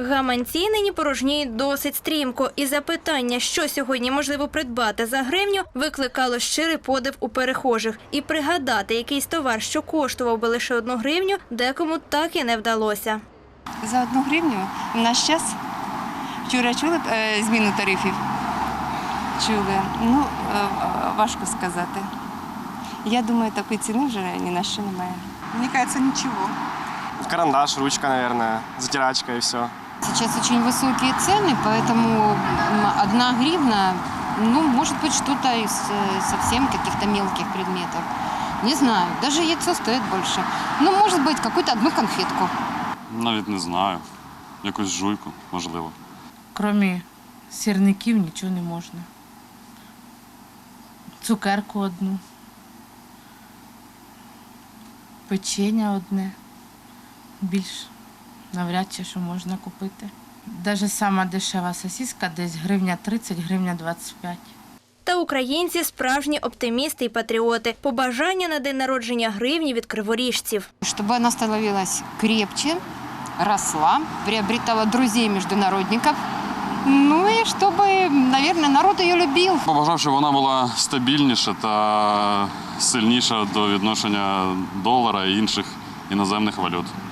Гаманці нині порожніють досить стрімко. І запитання, що сьогодні можливо придбати за гривню, викликало щирий подив у перехожих. І пригадати якийсь товар, що коштував би лише 1 гривню, декому так і не вдалося. За 1 гривню в наш час, вчора чули зміну тарифів? Чули. Ну, важко сказати. Я думаю, такої ціни вже ні на що немає. Мне кажется, ничего. Карандаш, ручка, наверное, затирачка и все. Сейчас очень высокие цены, поэтому 1 гривна, ну, может быть, что-то из совсем каких-то мелких предметов. Не знаю, даже яйцо стоит больше. Ну, может быть, какую-то 1 конфетку. Навіть не знаю. Якусь жуйку, можливо. Крім сірників нічого не можна. Цукерку 1. Печення 1. Більш навряд чи що можна купити. Навіть сама дешева сосиска десь 1,30 гривень, 1,25. Та українці – справжні оптимісти і патріоти. Побажання на день народження гривні від криворіжців. Чтобы она становилась крепче, росла, приобретала друзей международников. Ну и чтобы, наверное, народ ее любил. Побажав, щоб вона була стабільніша та сильніша до відношення долара і інших іноземних валют.